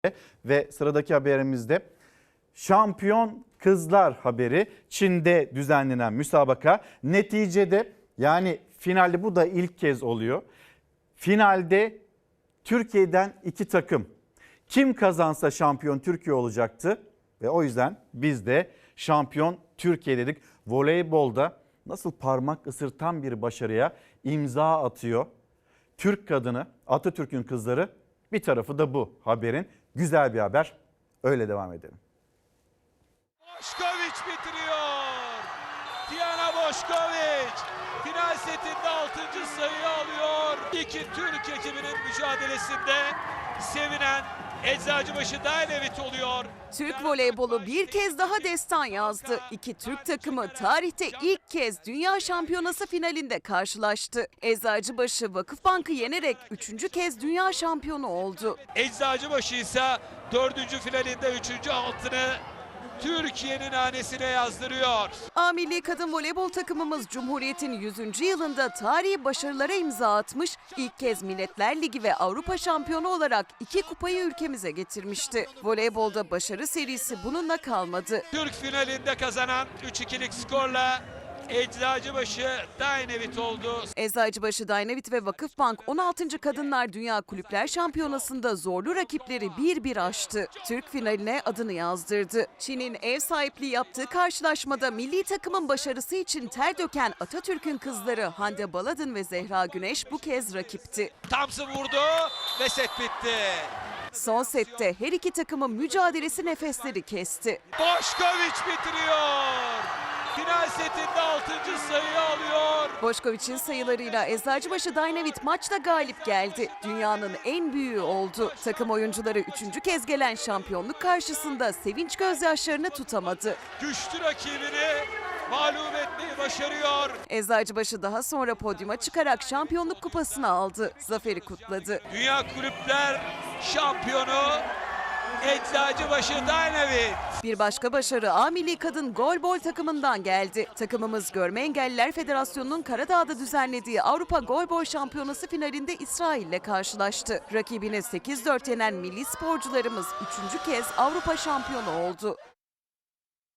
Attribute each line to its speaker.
Speaker 1: Ve sıradaki haberimizde şampiyon kızlar haberi. Çin'de düzenlenen müsabaka neticede, yani finalde bu da ilk kez oluyor. Finalde Türkiye'den 2 takım. Kim kazansa şampiyon Türkiye olacaktı ve o yüzden biz de şampiyon Türkiye dedik. Voleybolda nasıl parmak ısırtan bir başarıya imza atıyor Türk kadını, Atatürk'ün kızları. Bir tarafı da bu haberin. Güzel bir haber. Öyle devam edelim.
Speaker 2: Boşkoviç bitiriyor. Diana Boşkoviç final setinde 6. sayıyı alıyor. İki Türk ekibinin mücadelesinde sevinen Eczacıbaşı Dynavit oluyor.
Speaker 3: Türk voleybolu bir kez daha destan yazdı. İki Türk takımı tarihte ilk kez Dünya Şampiyonası finalinde karşılaştı. Eczacıbaşı Vakıfbank'ı yenerek 3. kez dünya şampiyonu oldu.
Speaker 2: Eczacıbaşı ise 4. finalinde 3. altını Türkiye'nin hanesine yazdırıyor.
Speaker 3: A milli kadın voleybol takımımız Cumhuriyet'in 100. yılında tarihi başarılara imza atmış, ilk kez Milletler Ligi ve Avrupa şampiyonu olarak 2 kupayı ülkemize getirmişti. Voleybolda başarı serisi bununla kalmadı.
Speaker 2: Türk finalinde kazanan 3-2'lik skorla Eczacıbaşı Dynavit oldu.
Speaker 3: Eczacıbaşı Dynavit ve Vakıfbank 16. Kadınlar Dünya Kulüpler Şampiyonası'nda zorlu rakipleri 1-1 aştı. Türk finaline adını yazdırdı. Çin'in ev sahipliği yaptığı karşılaşmada milli takımın başarısı için ter döken Atatürk'ün kızları Hande Baladın ve Zehra Güneş bu kez rakipti.
Speaker 2: Thompson vurdu ve set bitti.
Speaker 3: Son sette her iki takımın mücadelesi nefesleri kesti.
Speaker 2: Boşkoviç bitiriyor. Final setinde 6. sayıyı alıyor.
Speaker 3: Boşkoviç'in sayılarıyla Eczacıbaşı Dynavit maçta galip geldi. Dünyanın en büyüğü oldu. Takım oyuncuları 3. kez gelen şampiyonluk karşısında sevinç gözyaşlarını tutamadı.
Speaker 2: Güçlü rakibini mağlup etmeyi başarıyor.
Speaker 3: Eczacıbaşı daha sonra podyuma çıkarak şampiyonluk kupasını aldı. Zaferi kutladı.
Speaker 2: Dünya Kulüpler Şampiyonu Eczacıbaşı Dynavit.
Speaker 3: Bir başka başarı A milli kadın golbol takımından geldi. Takımımız Görme Engelliler Federasyonu'nun Karadağ'da düzenlediği Avrupa Golbol Şampiyonası finalinde İsrail'le karşılaştı. Rakibini 8-4 yenen milli sporcularımız 3. kez Avrupa şampiyonu oldu.